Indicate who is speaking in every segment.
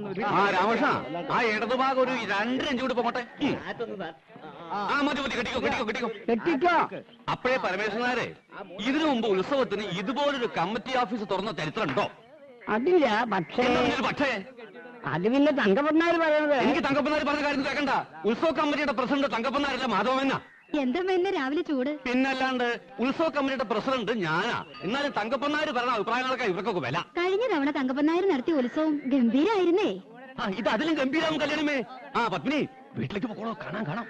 Speaker 1: രാമകൃഷ്ണ, ആ ഇടതുഭാഗം ഒരു 2 ഇഞ്ച് കൂടി പോകട്ടെ. മതി കെട്ടിക്കോ. അപ്പോഴേ പരമേശ്വരനാരെ, ഇതിനു മുമ്പ് ഉത്സവത്തിന് ഇതുപോലൊരു കമ്മിറ്റി ഓഫീസ് തുറന്ന ചരിത്രം ഉണ്ടോ?
Speaker 2: അതില്ല. പക്ഷേ അത് പിന്നെ തങ്കപ്പനാര് പറയുന്നത്.
Speaker 1: എനിക്ക് തങ്കപ്പനാര് പറഞ്ഞ കാര്യം കേൾക്കണ്ട. ഉത്സവ കമ്മിറ്റിയുടെ പ്രസിഡന്റ് തങ്കപ്പനാരല്ല, മാധവമെന്ന.
Speaker 3: എന്താ രാവിലെ ചൂട്?
Speaker 1: പിന്നല്ലാണ്ട് ഉത്സവ കമ്മിറ്റിയുടെ പ്രസിഡന്റ് ഞാനാ. എന്നാലും തങ്കപ്പനാര് പറഞ്ഞ അഭിപ്രായങ്ങളൊക്കെ ഇവർക്കൊക്കെ വില.
Speaker 3: കഴിഞ്ഞ തവണ തങ്കപ്പനാര് നടത്തിയ ഉത്സവം ഗംഭീരായിരുന്നേ.
Speaker 1: ഇത് അതിലും ഗംഭീരാവും കല്യാണമേ. പത്മിനി, വീട്ടിലേക്ക് പോകണോ? കാണാം.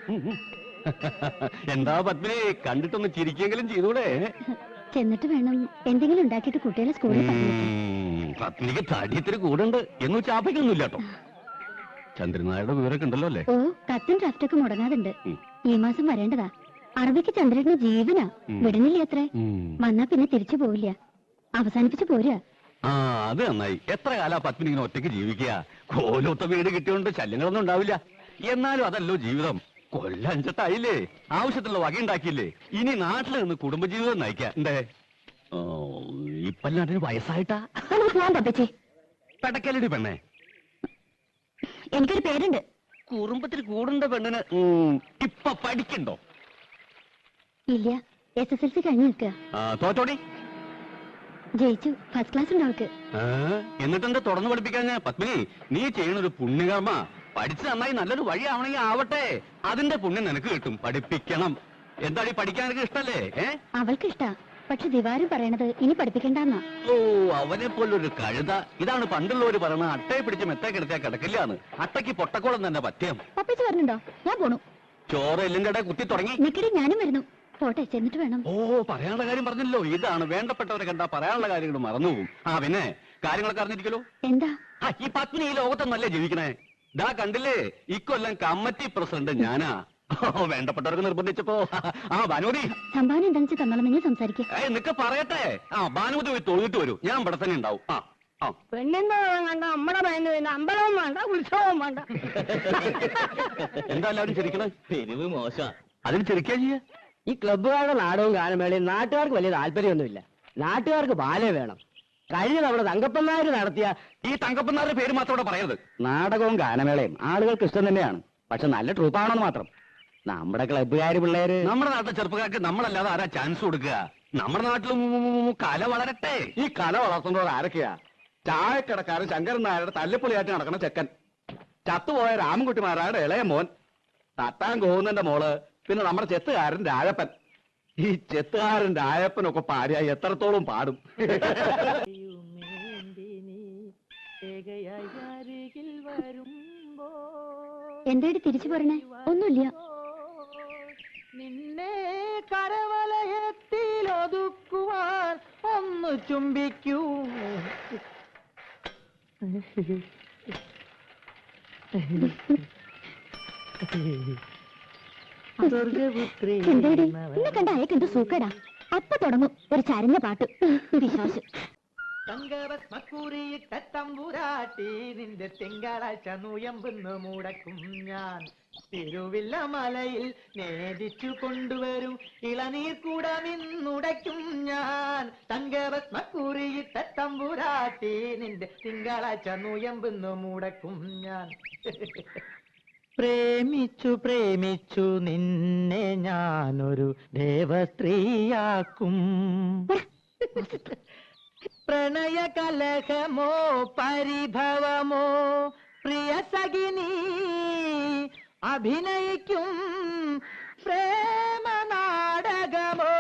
Speaker 1: എന്താ പത്മിനി, കണ്ടിട്ടൊന്ന് ചിരിക്കെങ്കിലും ചെയ്തൂടെ?
Speaker 3: ചെന്നിട്ട് വേണം എന്തെങ്കിലും ഉണ്ടാക്കിയിട്ട് കുട്ടികളെ സ്കൂളിൽ
Speaker 1: പത്മിനിക്ക് തടിയത്തിന് കൂടുണ്ട് എന്ന് ചാപ്പയ്ക്കൊന്നുമില്ല കേട്ടോ. ചന്ദ്രനായുടെ വിവരമൊക്കെ ഉണ്ടല്ലോ അല്ലേ?
Speaker 3: ഓ, കത്തും ഡ്രാഫ്റ്റൊക്കെ മുടങ്ങാതുണ്ട്. ഈ മാസം വരേണ്ടതാ. അറബിക്ക് ചന്ദ്രന് ജീവനാ. വിടണില്ല അത്രേ. വന്നാ പിന്നെ തിരിച്ചു പോവില്ല. അവസാനിപ്പിച്ചു പോരാ.
Speaker 1: അത് നന്നായി. എത്ര കാലാ പത്മിനി ഇങ്ങനെ ഒറ്റയ്ക്ക് ജീവിക്കുക? കോലൊത്ത വീട് കിട്ടിയോണ്ട് ശല്യങ്ങളൊന്നും ഉണ്ടാവില്ല. എന്നാലും അതല്ലോ ജീവിതം. കൊല്ലം 5-8 ആവശ്യത്തിലുള്ള വകയുണ്ടാക്കിയില്ലേ? ഇനി നാട്ടിൽ നിന്ന് കുടുംബജീവിതം നയിക്കാം. എന്തേ ഇപ്പല്ലാണ്ടിന് വയസ്സായിട്ടാ? പെടക്കലടി പെണ്ണേ,
Speaker 3: എനിക്കൊരു പേരുണ്ട്.
Speaker 1: കുറുമ്പത്തിൽ കൂടുണ്ട പെണ്ണിന് ഇപ്പൊ പഠിക്കണ്ടോ?
Speaker 3: ഇല്ല, SSLC കഴിഞ്ഞു നിൽക്കുക.
Speaker 1: തോറ്റോടി?
Speaker 3: ജയിച്ചു. ഫസ്റ്റ് ക്ലാസ് ഉണ്ട് അവൾക്ക്.
Speaker 1: എന്നിട്ടെന്താ തുടർന്ന് പഠിപ്പിക്കാൻ? പത്മിനി, നീ ചെയ്യണൊരു പുണ്യകർമ്മ. പഠിച്ച് നന്നായി നല്ലൊരു വഴിയാവണമെങ്കിൽ ആവട്ടെ. അതിന്റെ പുണ്യം നിനക്ക് കിട്ടും. പഠിപ്പിക്കണം. എന്താടി, പഠിക്കാൻ എനിക്ക് ഇഷ്ടല്ലേ?
Speaker 3: അവൾക്ക് ഇഷ്ടാ. പക്ഷെ ദിവാരും പറയണത് ഇനി പഠിപ്പിക്കണ്ടെന്നാ.
Speaker 1: ഓ, അവനെ പോലൊരു കഴുത. ഇതാണ് പണ്ടുള്ളവര് പറയണ അട്ടയെ പിടിച്ച് മെത്തേ കിടത്തിയാ കിടക്കില്ലാന്ന്. അട്ടയ്ക്ക് പൊട്ടക്കോളം തന്നെ പത്യം.
Speaker 3: പപ്പിച്ച് പറഞ്ഞുണ്ടോ? ഞാൻ പോണു.
Speaker 1: ചോറ് എല്ലും കട കുത്തി തുടങ്ങി.
Speaker 3: നിക്കടി, ഞാനും വരുന്നു. പോട്ടെ, ചെന്നിട്ട് വേണം.
Speaker 1: ഓ, പറയാനുള്ള കാര്യം പറഞ്ഞല്ലോ. ഇതാണ് വേണ്ടപ്പെട്ടവരെ കണ്ടാ പറയാനുള്ള കാര്യങ്ങൾ മറന്നുപോകും. പിന്നെ കാര്യങ്ങളൊക്കെ അറിഞ്ഞിരിക്കലോ.
Speaker 3: എന്താ?
Speaker 1: ഈ പത്മിനി ഈ ലോകത്തൊന്നല്ലേ ജീവിക്കണേ? ദാ കണ്ടില്ലേ, ഇക്കൊല്ലം കമ്മിറ്റി പ്രസിഡന്റ് ഞാനാ. വേണ്ടപ്പെട്ടവർക്ക് നിർബന്ധിച്ചപ്പോ ഭാനുമതി
Speaker 3: സംഭാവന എന്താണെന്ന് തന്നോളം നിങ്ങൾ സംസാരിക്കേ.
Speaker 1: നിനക്ക് പറയട്ടെ. ഭാനുമതി പോയി തൊഴുതിട്ട് വരൂ. ഞാൻ ഇവിടെ തന്നെ ഉണ്ടാവും.
Speaker 2: പെണ്ണെന്തോ വേണ്ട, അമ്മടെ വേണ്ട, അമ്പലവും വേണ്ട, ഉത്സവവും വേണ്ട.
Speaker 1: എന്താ എല്ലാവരും ചിരിക്കണേ? പെരുവ് മോശം. അതിന് ചിരിക്കാ ചെയ്യ.
Speaker 2: ഈ ക്ലബ്ബുകാരുടെ നാടകവും ഗാനമേളയും നാട്ടുകാർക്ക് വലിയ താല്പര്യമൊന്നുമില്ല. നാട്ടുകാർക്ക് ബാല വേണം. കഴിഞ്ഞ തവണ തങ്കപ്പനാര് നടത്തിയ
Speaker 1: ഈ തങ്കപ്പനാരുടെ പേര് മാത്രം ഇവിടെ പറയരുത്.
Speaker 2: നാടകവും ഗാനമേളയും ആളുകൾക്ക് ഇഷ്ടം തന്നെയാണ്. പക്ഷെ നല്ല ട്രൂപ്പാണെന്ന് മാത്രം. നമ്മുടെ ക്ലബ്ബുകാര് പിള്ളേര്,
Speaker 1: നമ്മുടെ നാട്ടിലെ ചെറുപ്പക്കാർക്ക് നമ്മളല്ലാതെ ആരാ ചാൻസ് കൊടുക്കുക? നമ്മുടെ നാട്ടിലും കല വളരട്ടെ.
Speaker 2: ഈ കല വളർത്തുന്നവർ ആരൊക്കെയാ? ചായക്കടക്കാരൻ ശങ്കരൻ നായരുടെ തല്ലിപ്പൊളിയായിട്ട് നടക്കുന്ന ചെക്കൻ, ചത്തുപോയ രാമൻകുട്ടിമാരായുടെ ഇളയ മോൻ, തട്ടാൻ കോവുന്നന്റെ മോള്, പിന്നെ നമ്മുടെ ചെത്തുകാരൻ രാജപ്പൻ. ഈ ചെത്തുകാരൻ രാജപ്പനൊക്കെ പാടിയായി എത്രത്തോളം പാടും.
Speaker 3: എന്തായിട്ട് തിരിച്ചു പോരണേ? ഒന്നുമില്ല.
Speaker 4: നിന്നെ കരവലയത്തിൽ ഒതുക്കുവാൻ ഒന്ന് ചുംബിക്കൂ.
Speaker 3: എന്താടി എന്നെ കണ്ട അയക്കെന്ത് സൂക്കടാ. അപ്പൊ തുടങ്ങും ഒരു ചരഞ്ഞ പാട്ട്. വിശ്വാസം
Speaker 4: തങ്കഭസ്മക്കുറിയിട്ട തമ്പുരാട്ടി നിന്റെ തിങ്കളാഴ്ച നുയമ്പെന്ന് മുടക്കും ഞാൻ. തിരുവില്ല മലയിൽ നേദിച്ചു കൊണ്ടുവരും ഇളനീർ കൂടമിന്നുടയ്ക്കും ഞാൻ. തങ്കഭസ്മക്കുറിയിട്ട തമ്പുരാട്ടി നിന്റെ തിങ്കളാഴ്ച നുയമ്പെന്ന് മുടക്കും ഞാൻ. പ്രേമിച്ചു പ്രേമിച്ചു നിന്നെ ഞാനൊരു ദേവസ്ത്രീയാക്കും. പ്രണയ കലഹമോ പരിഭവമോ പ്രിയ സഖിനി അഭിനയിക്കും പ്രേമ നാടകമോ.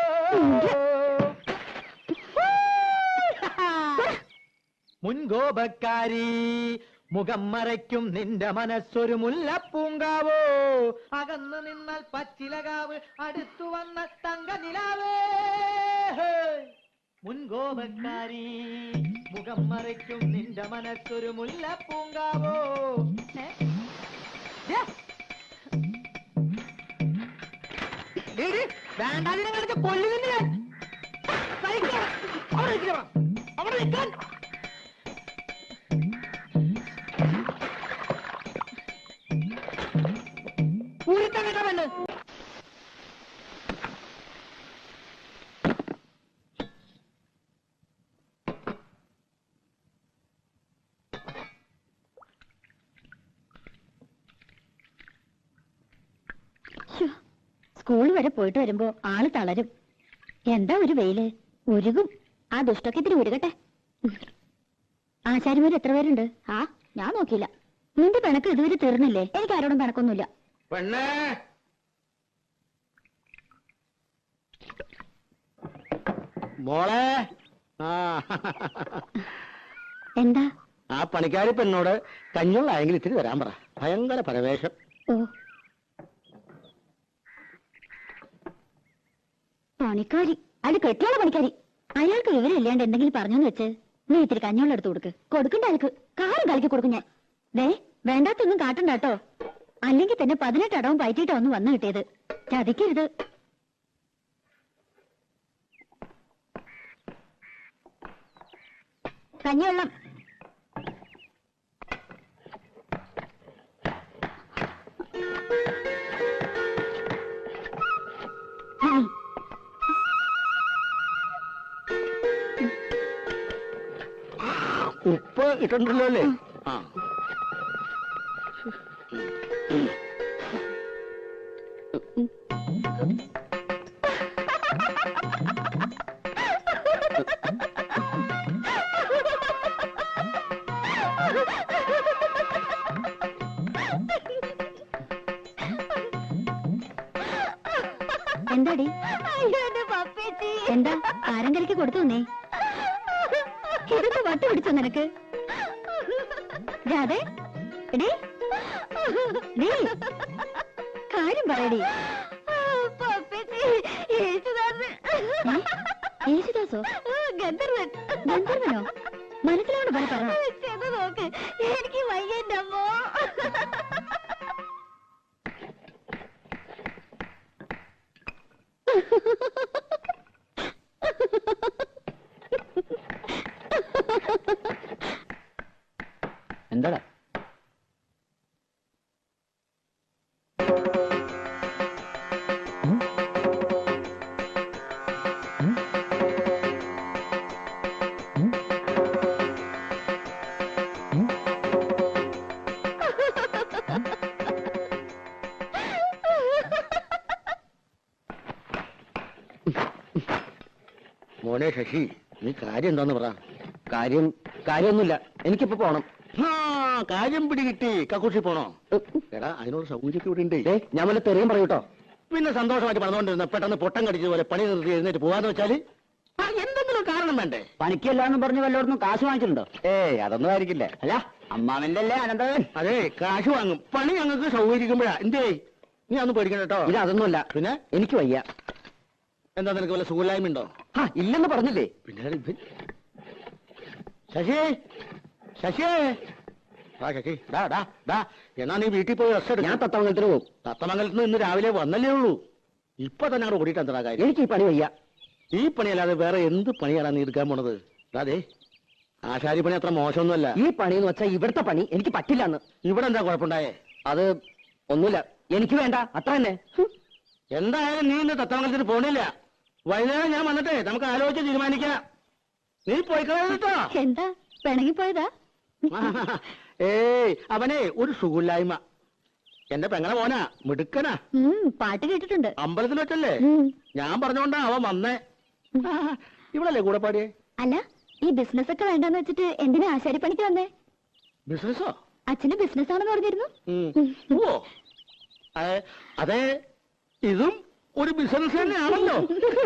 Speaker 4: മുൻകോപക്കാരി മുഖം മറയ്ക്കും നിന്റെ മനസ്സൊരു മുല്ലപ്പൂങ്കാവോ. അകന്നു നിന്നാൽ പച്ചിലകാവ്, അടുത്തു വന്നാൽ തങ്ക നിലാവേ. മുൻകോപക്കാരി മുഖം മറയ്ക്കും നിന്റെ മനസ്സൊരു മുല്ലപ്പൂങ്കാവോ. വേണ്ടാതിനെ കൊല്ലുന്നില്ല. അവിടെ നിൽക്കാൻ ൂരിത്തങ്ങട്ടവന്.
Speaker 3: സ്കൂൾ വരെ പോയിട്ട് വരുമ്പോ ആള് തളരും. എന്താ ഒരു വെയില്, ഉരുകും. ആ ദുഷ്ടൊക്കെ ഇത്തിരി ഉരുകട്ടെ. ആശാരിമാർ എത്ര പേരുണ്ട്? ആ, ഞാൻ നോക്കിയില്ല. നിന്റെ പിണക്ക് ഇതുവരെ തീർന്നില്ലേ? എനിക്ക് ആരോടും പിണക്കൊന്നുമില്ല.
Speaker 2: പെണ്ണേ, മോളെ. ആ
Speaker 3: എന്താ?
Speaker 2: ആ പണിക്കാരി പെണ്ണോട് കഞ്ഞുള്ളായെങ്കിൽ ഇത്തിരി തരാൻ പറ. ഭയങ്കര പരവേശം.
Speaker 3: ഓ, പണിക്കാരി? അത് കെട്ടിയുള്ള പണിക്കാരി. അയാൾക്ക് വിവരമില്ലാണ്ട് എന്തെങ്കിലും പറഞ്ഞെന്ന് വെച്ച് നീ ഇത്തിരി കഞ്ഞോളം എടുത്ത് കൊടുക്ക്. കൊടുക്കണ്ട ആൾക്ക് കാറും കളിക്ക് കൊടുക്കും ഞാൻ. ദേ, വേണ്ടാത്തൊന്നും കാട്ടണ്ടാട്ടോ. അല്ലെങ്കിൽ തന്നെ 18 അടവും പയറ്റിയിട്ടാ ഒന്ന് വന്നു കിട്ടിയത്. ചതിക്കരുത്. കഞ്ഞിവെള്ളം.
Speaker 2: ഉപ്പ് ഇട്ടുണ്ടല്ലോ അല്ലേ? ആ,
Speaker 3: എന്താടി? എന്താ ആരങ്കരയ്ക്ക് കൊടുത്തു നീ? ഇതൊക്കെ വട്ട് പിടിച്ചോ നിനക്ക്? രാധേ, എടീ, ഡീ, കാര്യം പറയടി. യേശുദാസോ? ഗന്ധർവൻ. ഗന്ധർവനോ? മനസ്സിലാണ് പറ. നോക്ക്, എനിക്ക് വയ്യന്റെ അമ്മോ.
Speaker 2: എന്താടാ? മോനെ ശശി, നീ കാര്യം എന്താന്ന് പറ. കാര്യമൊന്നുമില്ല, എനിക്കിപ്പോ പോണം. കാര്യം പിടികിട്ടി. കക്കൂഷി പോണോ? എടാ, അതിനോട് സൗകര്യമൊക്കെ ഇവിടെ ഉണ്ട്. ഞാൻ വല്ല തെറിയും പറയൂട്ടോ. പിന്നെ സന്തോഷമായിട്ട് പറഞ്ഞുകൊണ്ടിരുന്ന പെട്ടെന്ന് പൊട്ടം കടിച്ചതുപോലെ പണി നിർത്തി എഴുന്നേറ്റ് പോവാന്ന് വെച്ചാല് എന്തെങ്കിലും കാരണം വേണ്ടേ?
Speaker 5: പണിക്കല്ലാന്ന് പറഞ്ഞ് വല്ലയിടത്തും കാശ് വാങ്ങിച്ചിട്ടുണ്ടോ?
Speaker 2: ഏയ്, അതൊന്നും ആയിരിക്കില്ല.
Speaker 5: അല്ല, അമ്മാവന്റെ അല്ലേ അനന്തവൻ?
Speaker 2: അതെ, കാശ് വാങ്ങും. പണി ഞങ്ങൾക്ക് സൗകര്യക്കുമ്പോഴാ. എന്തേ, നീ അതൊന്നും പേടിക്കണ്ട കേട്ടോ.
Speaker 5: ഇത് അതൊന്നുമല്ല.
Speaker 2: പിന്നെ
Speaker 5: എനിക്ക് വയ്യ.
Speaker 2: എന്താ, നിനക്ക് വല്ല സുഖമില്ലായ്മ ഉണ്ടോ?
Speaker 5: ഇല്ലെന്ന് പറഞ്ഞില്ലേ?
Speaker 2: പിന്നെ ഇവൻ ശശി, ശശി, ആ ശശി, ഡാ ഡാ ഡാ, എന്നാ നീ വീട്ടിൽ പോയി റെസ്റ്റ് എടുക്കും.
Speaker 5: ഞാൻ തത്തമംഗലത്തിന് പോകും.
Speaker 2: തത്തമംഗലത്ത് നിന്ന് ഇന്ന് രാവിലെ വന്നല്ലേ ഉള്ളൂ. ഇപ്പൊ തന്നെ അവിടെ ഓടിയിട്ട് എന്താ കാര്യം?
Speaker 5: എനിക്ക് ഈ പണി വയ്യ.
Speaker 2: ഈ പണിയല്ലാതെ വേറെ എന്ത് പണിയാണ് നീ എടുക്കാൻ പോണത്? അതെ, ആശാരി പണി അത്ര മോശമൊന്നുമല്ല.
Speaker 5: ഈ പണി എന്ന് വെച്ചാൽ ഇവിടുത്തെ പണി എനിക്ക് പറ്റില്ലെന്ന്.
Speaker 2: ഇവിടെ എന്താ കുഴപ്പമുണ്ടായേ?
Speaker 5: അത് ഒന്നുമില്ല, എനിക്ക് വേണ്ട, അത്ര തന്നെ.
Speaker 2: എന്തായാലും നീ ഇന്ന് തത്തമംഗലത്തിന് പോണില്ല. വൈകുന്നേരം ഞാൻ വന്നിട്ടേ നമുക്ക് ആലോചിച്ച് തീരുമാനിക്കാം. നീ പോയിക്കളോ.
Speaker 3: എന്താ പിണങ്ങിപ്പോയതാ?
Speaker 2: ഏയ്, അവനെ ഒരു സുഖമില്ലായ്മ. എന്റെ പെങ്ങളെ മോനാ, മിടുക്കനാ.
Speaker 3: പാട്ട് കേട്ടിട്ടുണ്ട്.
Speaker 2: അമ്പലത്തിൽ വെച്ചല്ലേ? ഞാൻ പറഞ്ഞോണ്ടാ അവൻ വന്നേ. ഇവളല്ലേ കൂടെ പാടിയേ?
Speaker 3: അല്ല, ഈ ബിസിനസ് ഒക്കെ വേണ്ടെന്ന് വെച്ചിട്ട് എന്തിനാ ആശാരി പണിക്ക് വന്നേ?
Speaker 2: ബിസിനസ്സോ?
Speaker 3: അച്ഛന് ബിസിനസ് ആണെന്ന് പറഞ്ഞിരുന്നു.
Speaker 2: ഓ, അതെ, ഇതും ഒരു ബിസിനസ് തന്നെയാണല്ലോ.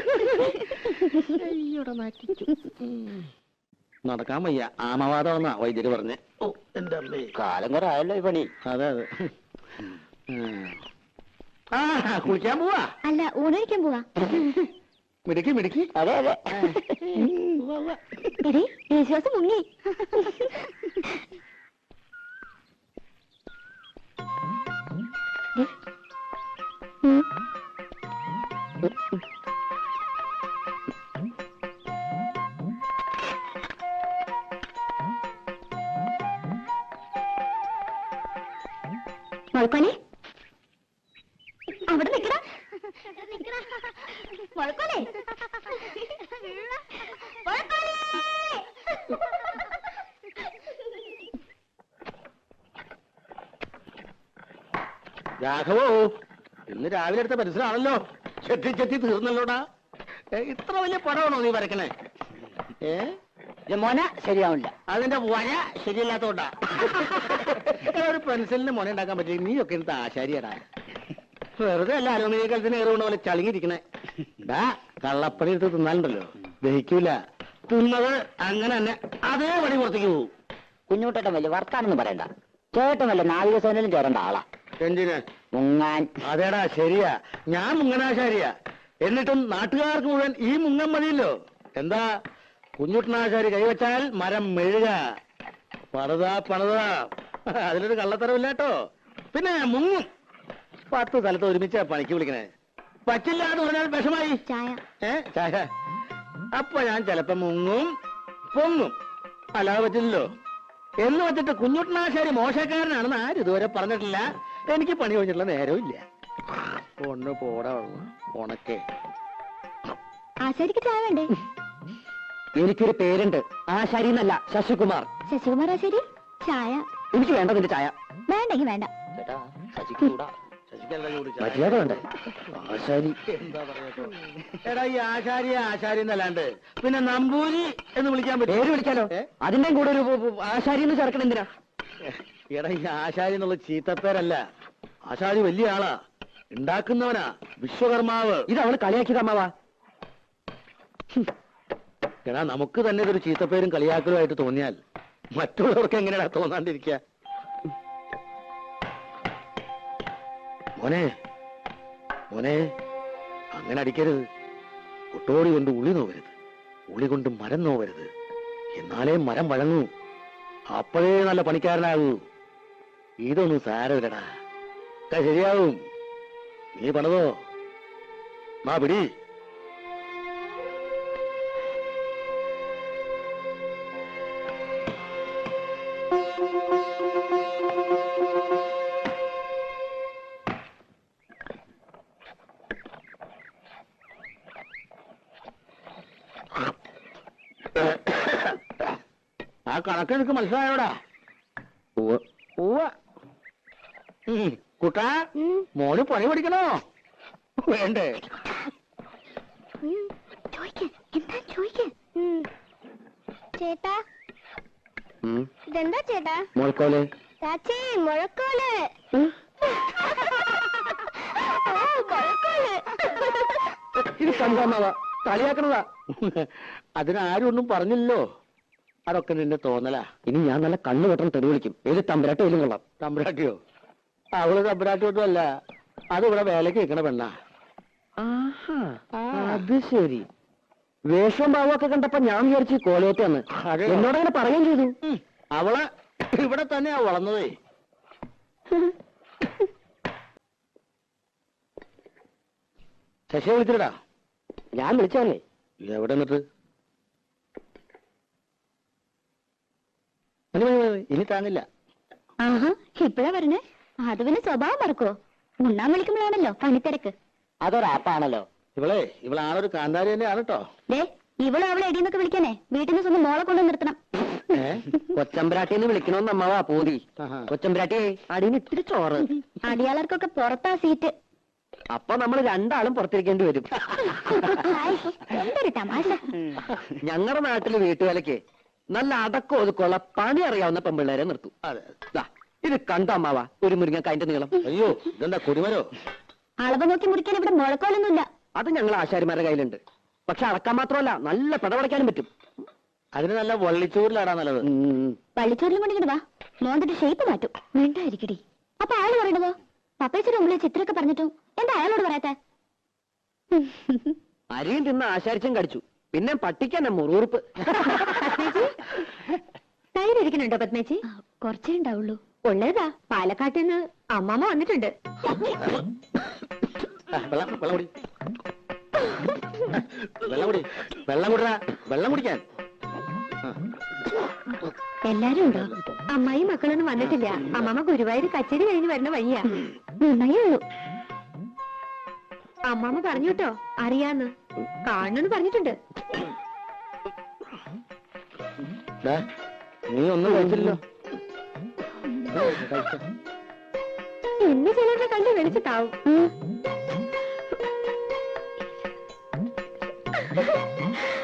Speaker 2: നടക്കാൻ വയ്യ, ആമവാദമെന്നാ വൈദ്യര് പറഞ്ഞേ. ഓ, എന്റെ അമ്മേ,
Speaker 5: കാലം കുറെ ആയല്ലോ ഈ പണി.
Speaker 2: അതെ അതെ. ആ, കുളിക്കാൻ പോവാ?
Speaker 3: അല്ല, ഊണഴിക്കാൻ പോവാ.
Speaker 2: മിടുക്കി മിടുക്കി.
Speaker 5: അതെ അതെ.
Speaker 3: എടീ, യേശുദാസ് മുങ്ങി. മുഴക്കോനെ, അവിടെ നിക്കടാ. മുഴക്കോനെ,
Speaker 2: രാഘവോ, ഇന്ന് രാവിലെ എടുത്ത പരിസരമാണല്ലോ. ചെത്തി ചെത്തി തീർന്നല്ലോടാ. ഇത്ര വലിയ പടമാണോ നീ വരക്കണേ?
Speaker 5: മോന ശരിയാവില്ല.
Speaker 2: അതിന്റെ വര ശരിയല്ലാത്തോണ്ടാ. ഒരു പെൻസിലിന് മുന ഉണ്ടാക്കാൻ പറ്റില്ല. നീയൊക്കെ എടുത്ത ആശാരിയടാ. വെറുതെ അല്ല അലുമിനിയ കലത്തിന് ഏറുകൊണ്ട് പോലെ ചളിങ്ങിരിക്കണേ. കള്ളപ്പണി എടുത്ത് തിന്നാലുണ്ടല്ലോ, ദഹിക്കൂല. തിന്നത് അങ്ങനെ തന്നെ അതേ പണി പുറത്തേക്ക് പോകും.
Speaker 5: കുഞ്ഞുട്ടേട്ടൻ വലിയ വർത്താനൊന്നും പറയണ്ട. ചേട്ടൻ വല്ല നാവികസേനയിലും ചേരേണ്ട ആളാ.
Speaker 2: എന്തിന്?
Speaker 5: മുങ്ങാൻ.
Speaker 2: അതേടാ ശരിയാ, ഞാൻ മുങ്ങനാശാരിയാ. എന്നിട്ടും നാട്ടുകാർക്ക് മുഴുവൻ ഈ മുങ്ങൻ മതിയല്ലോ. എന്താ കുഞ്ഞുട്ടനാശാരി കൈവച്ചാൽ മരം മെഴുക. പണിതാ അതിലൊരു കള്ളത്തരമില്ല കേട്ടോ. പിന്നെ മുങ്ങും. 10 സ്ഥലത്ത് ഒരുമിച്ചാ പണിക്ക് വിളിക്കണേ. പറ്റില്ല എന്ന് പറഞ്ഞാൽ വിഷമായി. ചായ. അപ്പൊ ഞാൻ ചിലപ്പോ മുങ്ങും പൊങ്ങും. അല്ലാതെ പറ്റില്ലല്ലോ. എന്ന് വെച്ചിട്ട് കുഞ്ഞുട്ടനാശാരി മോശക്കാരനാണെന്ന് ആരും ഇതുവരെ പറഞ്ഞിട്ടില്ല. എനിക്ക് പണി കഴിഞ്ഞിട്ടുള്ള നേരവും ഇല്ല. ഒന്ന് പോടാ ഉണക്കേ.
Speaker 3: ആശാരിക്ക് ചായ വേണ്ടേ?
Speaker 5: എനിക്കൊരു പേരുണ്ട്, ആശാരി എന്നല്ല, ശശികുമാർ.
Speaker 3: ശശികുമാർ ആശാരി ചായ?
Speaker 5: എനിക്ക് വേണ്ട നിന്റെ ചായ.
Speaker 3: വേണ്ടെങ്കി വേണ്ട.
Speaker 5: മര്യാദ വേണ്ടേ? ആശാരി
Speaker 2: എന്താ പറയാ? എടാ ഈ ആശാരി എന്നല്ലാണ്ട് പിന്നെ നമ്പൂരി എന്ന് വിളിക്കാൻ പറ്റും?
Speaker 5: പേര് വിളിക്കാലോ. അതിന്റെയും കൂടെ ഒരു ആശാരി എന്ന് ചേർക്കണം എന്തിനാ?
Speaker 2: എടാ ഈ ആശാരി എന്നുള്ള ചീത്തപ്പേരല്ല. ആശാരി വലിയ ആളാ, ഉണ്ടാക്കുന്നവനാ, വിശ്വകർമാവ്.
Speaker 5: ഇത് അവള് കളിയാക്കിയത് അമ്മാവാ.
Speaker 2: എടാ നമുക്ക് തന്നെ ഇതൊരു ചീത്തപ്പേരും കളിയാക്കലുമായിട്ട് തോന്നിയാൽ മറ്റുള്ളവർക്ക് എങ്ങനെയാ തോന്നാണ്ടിരിക്കുക? മോനെ അങ്ങനെ അടിക്കരുത്. ഒട്ടോടി കൊണ്ട് ഉളി നോവരുത്, ഉളി കൊണ്ട് മരം നോവരുത്. എന്നാലേ മരം വഴങ്ങൂ. അപ്പോഴേ നല്ല പണിക്കാരനാകൂ. ഇതൊന്നും സാരമില്ലടാ, ശരിയാവും. നീ പണിതോ. മാ പിടി. ആ കണക്ക് എനിക്ക് മനസ്സിലായോടാ? കുട്ടാ, മോന് പണി പഠിക്കണോ വേണ്ടേ?
Speaker 3: ചേട്ടാ, ഇതെന്താ ചേട്ടാ?
Speaker 5: മോൾക്കോലെ
Speaker 3: ചാച്ചി, മുഴക്കോല്.
Speaker 5: ഇത് കണ്ടാമാവാ, കളിയാക്കണതാ.
Speaker 2: അതിനാരും ഒന്നും പറഞ്ഞില്ലല്ലോ. അതൊക്കെ നിന്റെ തോന്നലാ.
Speaker 5: ഇനി ഞാൻ നല്ല കണ്ണു വെട്ടം തെറി വിളിക്കും. ഏത് തമ്പരാട്ടോ ഏലും കൊള്ളാം.
Speaker 2: തമ്പുരാട്ടിയോ? അവള് തമ്പുരാട്ടിയൊന്നും അല്ല, അതിവിടെ വേലക്ക് നിൽക്കണ പെണ്ണാ.
Speaker 5: അത് ശരി. വേഷവും ഭാവമൊക്കെ കണ്ടപ്പോ ഞാൻ വിചാരിച്ചു കോലയറ്റാന്ന്. എന്നോടങ്ങനെ പറയുകയും ചെയ്തു.
Speaker 2: അവള് ഇവിടെ തന്നെയാ വളർന്നതേ. ശശിയെ വിളിച്ചിട്ടാ?
Speaker 5: ഞാൻ വിളിച്ചല്ലേ.
Speaker 2: എവിടെ നിന്നിട്ട്? ഇനി താങ്ങില്ല.
Speaker 3: ആഹാ, ഇപ്പഴാ പറഞ്ഞേ. അത് പിന്നെ സ്വഭാവം മറക്കോ? ഉണ്ണാൻ വിളിക്കുമ്പോഴാണല്ലോ പണിത്തിരക്ക്.
Speaker 5: അതൊരാപ്പാണല്ലോ.
Speaker 2: ഇവളാണൊരു കാന്താരി തന്നെയാണ് കേട്ടോ.
Speaker 3: ദേ, ഇവള് അവളെ എടീന്നൊക്കെ വിളിക്കാനേ വീട്ടിൽ നിന്ന് സ്വന്തം മോളെ കൊണ്ടു നിർത്തണം.
Speaker 5: കൊച്ചമ്പരാട്ടിന്ന് വിളിക്കണോന്ന് അമ്മാവാ പൂതി. കൊച്ചമ്പരാട്ടിയെ അടിയിൽ ഇത്തിരി ചോറ്.
Speaker 3: അടിയാളർക്കൊക്കെ പുറത്താ സീറ്റ്.
Speaker 5: അപ്പൊ നമ്മൾ രണ്ടാളും പുറത്തിരിക്കേണ്ടി വരും.
Speaker 3: എന്തൊരു തമാശ.
Speaker 5: ഞങ്ങളുടെ നാട്ടില് വീട്ടുവേലയ്ക്ക് നല്ല അടക്കം ഒതുക്കമുള്ള പണി അറിയാവുന്ന പെമ്പിള്ളേരെ നിർത്തും. ദാ, ഇത് കണ്ട അമ്മാവാ ഒരു മുരിങ്ങക്കായന്റെ നീളം.
Speaker 2: അയ്യോ, ഇതെന്താ കുരുമരോ?
Speaker 3: അളവ് നോക്കി മുറിക്കാൻ ഇവിടെ മുഴക്കോലൊന്നുമില്ല.
Speaker 5: അത് ഞങ്ങൾ ആശാരിമാരുടെ കയ്യിലുണ്ട്. പക്ഷെ അടക്കാൻ മാത്രമല്ല, നല്ല പിടവടയ്ക്കാനും പറ്റും.
Speaker 2: അതിന് നല്ല വള്ളിച്ചൂരിലാടാ നല്ലത്.
Speaker 3: പള്ളിച്ചോറിലും കൊണ്ടിങ്ങോട്ട് വാ, മോന്തിട്ട് ഷേപ്പ് മാറ്റും. വേണ്ടായിരിക്കടി. അപ്പൊ ആള് പറയണതോ? പപ്പേച്ചിയുടെ മുമ്പിൽ ചിത്രമൊക്കെ പറഞ്ഞിട്ടും എന്താ അയാളോട് പറയാത്തെ?
Speaker 5: അരിയും തിന്ന് ആശാരിച്ചും കടിച്ചു. പിന്നെ പട്ടിക്കന്നെ മുറുറുപ്പ്.
Speaker 3: തൈരിക്കുന്നുണ്ടോ പത്മേച്ചി? കുറച്ചേ ഉണ്ടാവുള്ളൂ. ഉള്ളതാ, പാലക്കാട്ടിൽ നിന്ന് അമ്മാമ്മ വന്നിട്ടുണ്ട്.
Speaker 2: വെള്ളം കുടിക്കാൻ
Speaker 3: എല്ലാരും ഉണ്ടോ? അമ്മായി മക്കളൊന്നും വന്നിട്ടില്ല. അമ്മാമ്മ ഗുരുവായൂർ കച്ചേരി കഴിഞ്ഞ് വരുന്ന വഴിയാ. നന്നായേ ഉള്ളൂ. അമ്മാമ്മ പറഞ്ഞു കേട്ടോ, അറിയാന്ന്. കാണണമെന്ന് പറഞ്ഞിട്ടുണ്ട്.
Speaker 2: നീ ഒന്നും കഴിച്ചില്ലല്ലോ.
Speaker 3: എന്നെ ചിലരുടെ കണ്ട് വിളിച്ചിട്ടാവും